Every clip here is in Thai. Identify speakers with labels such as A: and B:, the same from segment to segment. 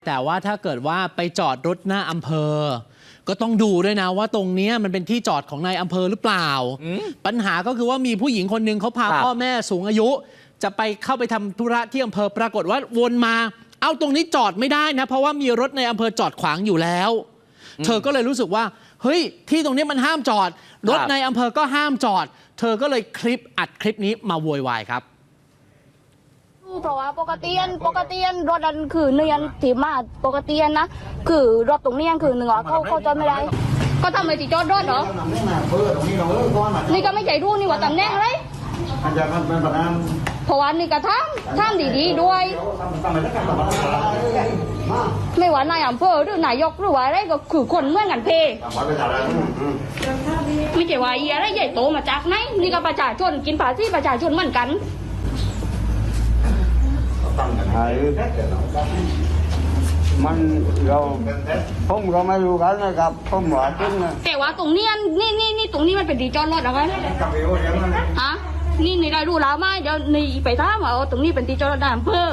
A: แต่ว่าถ้าเกิดว่าไปจอดรถหน้าอำเภอก็ต้องดูด้วยนะว่าตรงนี้มันเป็นที่จอดของนายอำเภอหรือเปล่าปัญหาก็คือว่ามีผู้หญิงคนหนึ่งเขาพาพ่อแม่สูงอายุจะไปเข้าไปทำธุระที่อำเภอปรากฏว่าวนมาเอาตรงนี้จอดไม่ได้นะเพราะว่ามีรถในอำเภอจอดขวางอยู่แล้วเธอก็เลยรู้สึกว่าเฮ้ยที่ตรงนี้มันห้ามจอดรถในอำเภอก็ห้ามจอดเธอก็เลยอัดคลิปนี้มาโวยวายครับ
B: เพราะว่าปกติรถนั้นคือเนียนที่มาปกตินะคือรถตรงนี้คือหนึ่งเขาจอดไม่ได้ก็ทำไมติจอดรถเหรอนี่ก็ไม่ใจรู้นี่ว่าตำแหน่งอะไรเพราะว่านี่ก็ทำดีๆด้วยไม่ว่านายอำเภอหรือนายกหรือว่าอะไรก็คือคนเหมือนกันเพไม่ใช่ว่าอะไรใหญ่โตมาจากไหนนี่ก็ประชาชนกินภาษีประชาชนเหมือนกัน
C: มันเราผมก็ไม่รู้กันนะครับผมว่าจริงนะ
B: แต่ว่าตรงนี้นี่ตรงนี้มันเป็นดีจอดรถอะไรฮะนี่ได้รู้แล้วไหมเดี๋ยวนี่ไปถามว่าตรงนี้เป็นดีจอดรถอำเภอ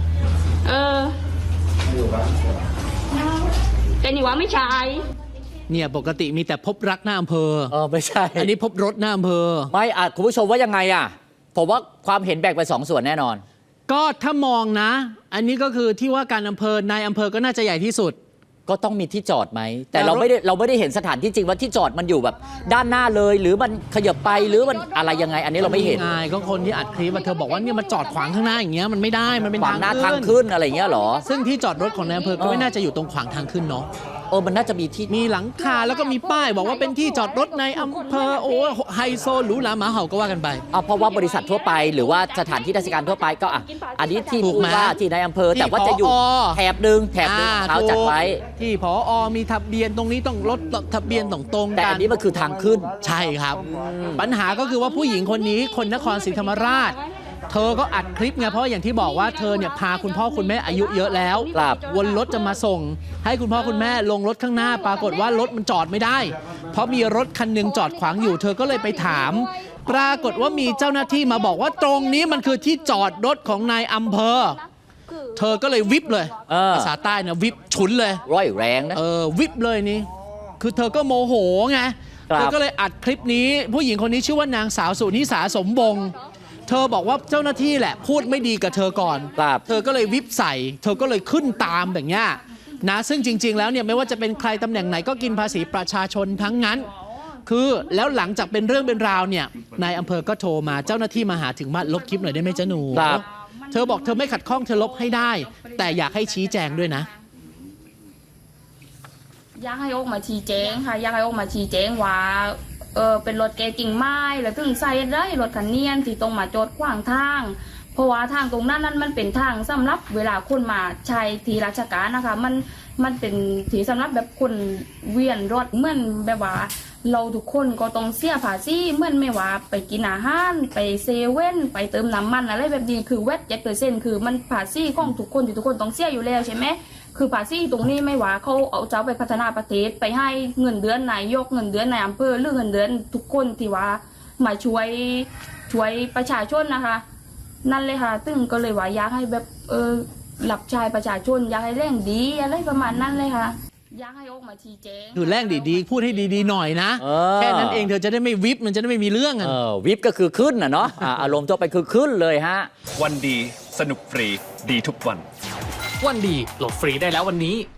B: แต่นี่ว่าไม่ใช่
A: เนี่ยปกติมีแต่พบรักหน้าอำเภอ
D: ไม่ใช่
A: อันนี้พบรถหน้าอำเภอ
D: ไม่คุณผู้ชมว่ายังไงผมว่าความเห็นแบ่งเป็น2 ส่วนแน่นอน
A: ก็ถ้ามองนะอันนี้ก็คือที่ว่าการอำเภอนายอำเภอก็น่าจะใหญ่ที่สุด
D: ก็ต้องมีที่จอดไหมแต่เราไม่ได้เห็นสถานที่จริงว่าที่จอดมันอยู่แบบด้านหน้าเลยหรือมันขยับไปหรือมันอะไรยังไงอันนี้เราไม่เห็น
A: ก็คนที่อัดคลิปเธอบอกว่าเนี่ยมันจอดขวางข้างหน้าอย่างเงี้ยมันไม่ได้มันเป็น
D: ทางขึ้นอะไรเงี้ยหรอ
A: ซึ่งที่จอดรถของนายอำเภอก็ไม่น่าจะอยู่ตรงขวางทางขึ้นเนาะ
D: มันน่าจะมีที่
A: มีหลังคาแล้วก็มีป้ายบอกว่าเป็นที่จอดรถในอำเภอโอ้ไฮโซหรูหราหมาเห่าก็ว่ากันไป
D: เพราะว่าบริษัททั่วไปหรือว่าสถานที่ราชการทั่วไปก็อันนี้ที่ผู้ว่าที่ในอำเภอแต่ว่าจะอยู่แถบหนึ่งเขาจัดไว้
A: ที่ผอ.มีทะเบียนตรงนี้ต้องรถทะเบียนตรง
D: แต่อันนี้มันคือทางขึ้น
A: ใช่ครับปัญหาก็คือว่าผู้หญิงคนนี้คนนครศรีธรรมราชเธอก็อัดคลิปไงเพราะอย่างที่บอกว่าเธอเนี่ยพาคุณพ่อคุณแม่อายุเยอะแล้ววนรถจะมาส่งให้คุณพ่อคุณแม่ลงรถข้างหน้าปรากฏว่ารถมันจอดไม่ได้เพราะมีรถคันหนึ่งจอดขวางอยู่เธอก็เลยไปถามปรากฏว่ามีเจ้าหน้าที่มาบอกว่าตรงนี้มันคือที่จอดรถของนายอำเภอเธอก็เลยวิบเลยภาษาใต้นะวิบฉุนเลย
D: ร้อยแรงนะ
A: วิบเลยนี่คือเธอก็โมโหไงเธอก็เลยอัดคลิปนี้ผู้หญิงคนนี้ชื่อว่านางสาวสุนิสาสมบงเธอบอกว่าเจ้าหน้าที่แหละพูดไม่ดีกับเธอก่อนเธอก็เลยวิบใส่เธอก็เลยขึ้นตามแบบนี้นะซึ่งจริงๆแล้วเนี่ยไม่ว่าจะเป็นใครตำแหน่งไหนก็กินภาษีประชาชนทั้งนั้นคือแล้วหลังจากเป็นเรื่องเป็นราวเนี่ยนายอำเภอก็โทรมาเจ้าหน้าที่มาหาถึงบ้านลบคลิปหน่อยได้ไหมจ๊ะหนูเธอบอกเธอไม่ขัดข้องเธอลบให้ได้แต่อยากให้ชี้แจงด้วยนะ
B: อยากให้ออกมาชี้แจงค่ะอยากให้ออกมาชี้แจงว่าเป็นรถแกกิ่งไม้แล้วถึงใส่ได้รถคันเนียนที่ตรงมาจอดขวางทางเพราะว่าทางตรงนั้นมันเป็นทางสำหรับเวลาคนมาใช้ที่ราชการนะคะมันเป็นที่สำหรับแบบคนเวียนรถเหมือนแบบว่าเราทุกคนก็ต้องเสียภาษีเหมือนไม่ว่าไปกินอาหารไปเซเว่นไปเติมน้ำมันอะไรแบบนี้คือแวด7%คือมันภาษีของทุกคนที่ทุกคนต้องเสียอยู่แล้วใช่ไหมคือภาษีตรงนี้ไม่ว่าเขาเอาเจ้าไปพัฒนาประเทศไปให้เงินเดือนนายกเงินเดือนนายอำเภอหรือเงินเดือนทุกคนที่ว่ามาช่วยประชาชนนะคะนั่นเลยค่ะตึงก็เลยว่าอยากให้แบบหลับชายประชาชนอยากให้เร่งดีอะไรประมาณนั้นเลยค่ะอยากให้ออกมาชี้แจง
A: คือแรงดีๆพูดให้ดีๆหน่อยนะแค่นั้นเองเธอจะได้ไม่วิบมันจะได้ไม่มีเรื่อง
D: วิบก็คือขึ้นเนาะอารมณ์ตัวไปคือขึ้นเลยฮะ
E: วันดีสนุกฟรีดีทุกวัน
F: วันดีโหลดฟรีได้แล้ววันนี้